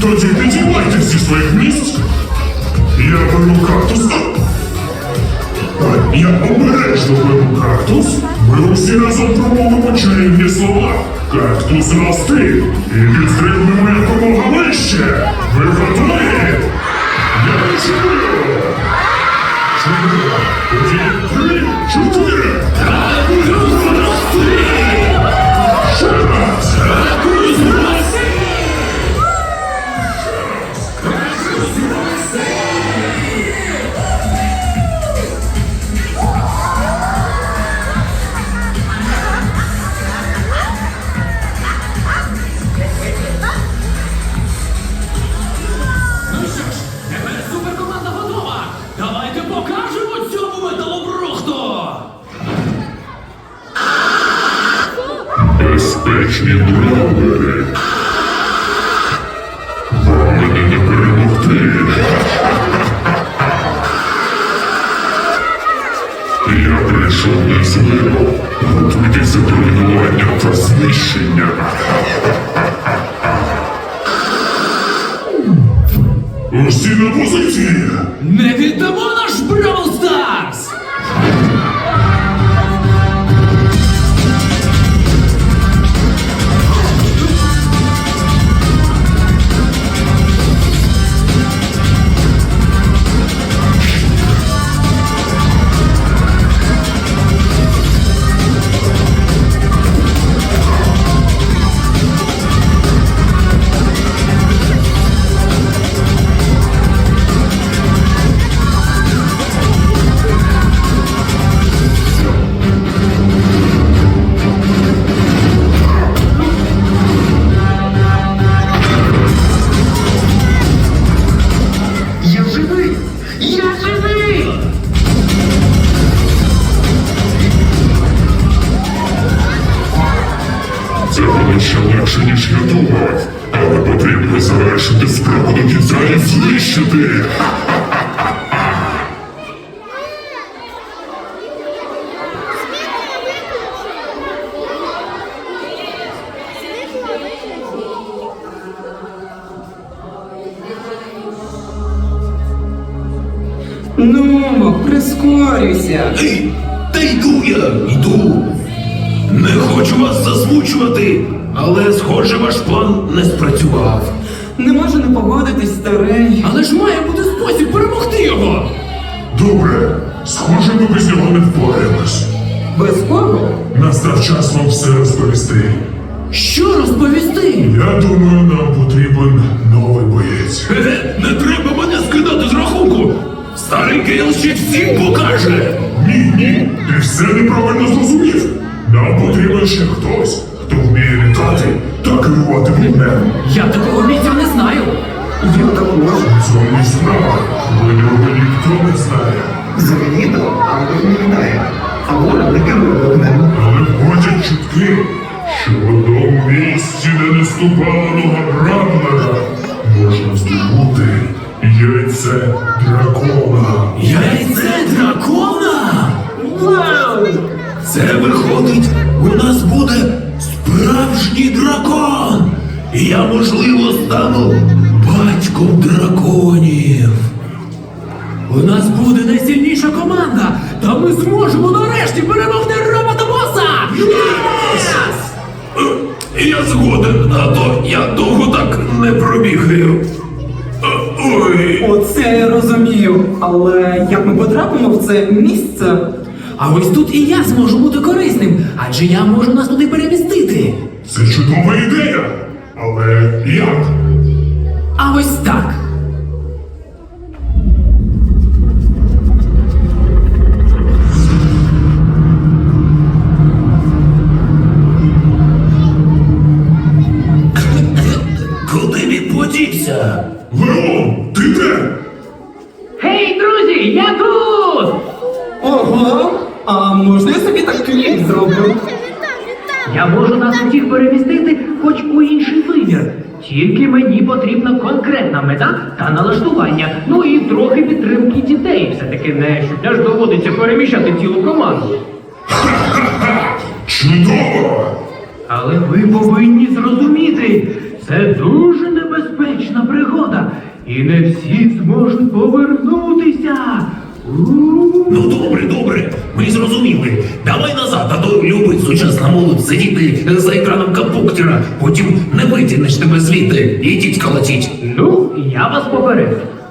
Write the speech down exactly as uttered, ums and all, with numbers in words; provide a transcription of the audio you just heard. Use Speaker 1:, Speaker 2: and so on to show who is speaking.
Speaker 1: Тоді підіймайтесь зі своїх місць. Я беру кактус. Я обережно беру кактус. Ми усі разом промовимо чарівні слова. Кактус рости. І підстрибнемо якомога вище. Ви готові? Я чую. Чотири. Тоді три, чотири. Кактус рости. Ще раз. Кактус рости.
Speaker 2: Суперкоманда готова! Давайте покажемо цьому металобрухту!
Speaker 1: Безпечні бравери. Вам мене не перемогти. Я прийшов не з миру. Готуйтеся до руйнування та знищення. Усі на позиції!
Speaker 2: Не віддамо наш Бравл Старс!
Speaker 3: Я живий! Я живий!
Speaker 1: Це було ще легше, ніж я думав. Але потрібно завершити справу до кінця і знищити.
Speaker 3: Ну, прискорюйся!
Speaker 4: Ей, та йду я, йду. Не хочу вас засмучувати, але, схоже, ваш план не спрацював.
Speaker 3: Не можу не погодитись, старий.
Speaker 2: Але ж має бути спосіб перемогти його!
Speaker 1: Добре, схоже, ми без нього не впораємось.
Speaker 3: Без кого?
Speaker 1: Настав час вам все розповісти.
Speaker 2: Що розповісти?
Speaker 1: Я думаю, нам потрібен новий боєць.
Speaker 4: Е, не треба мене скидати з рахунку. Старий Гейл ще всім покаже.
Speaker 1: Ні, ні, ти все неправильно зрозумів. Нам потрібен ще хтось, хто вміє літати та керувати вогнем.
Speaker 2: Я такого бійця не знаю!
Speaker 3: Я також.
Speaker 1: У цьому і справа. Винього ніхто не знає.
Speaker 3: Завідомо, але не літає. А воля не керує вогнем.
Speaker 1: Але ходять чутки, що в одному місці, де не ступала нога Бравлера, можна здобути яйце дракона.
Speaker 4: Яйце дракона? Вау! Це виходить, у нас буде справжній дракон. І я, можливо, стану батьком драконів.
Speaker 2: У нас буде найсильніша команда! Та ми зможемо нарешті перемогти робота-боса!
Speaker 4: Е, Я згоден, а то я довго так не пробігаю. Е, Ой.
Speaker 3: Оце я розумію. Але як ми потрапимо в це місце?
Speaker 2: А ось тут і я зможу бути корисним, адже я можу нас туди перемістити.
Speaker 1: Це чудова ідея. Але як?
Speaker 2: А ось так.
Speaker 4: Куди він подівся?
Speaker 1: Леон, ти де?
Speaker 2: Гей, друзі, я тут!
Speaker 3: Ого! А можна я собі так кліп зроблю?
Speaker 5: Я можу нас усіх перемістити хоч у інший вимір. Тільки мені потрібна конкретна мета та налаштування. Ну і трохи підтримки дітей. Все-таки не щодня ж доводиться переміщати цілу команду.
Speaker 1: Чудово!
Speaker 5: Але ви повинні зрозуміти, Це дуже небезпечна пригода, і не всі зможуть повернутися. У-у-у.
Speaker 4: Ну добре, добре, ми зрозуміли. Давай назад, а то любить сучасна молодь сидіти за екраном компуктера, потім не витягнеш тебе звідти, ідіть колотіть.
Speaker 5: Ну, я вас попередив.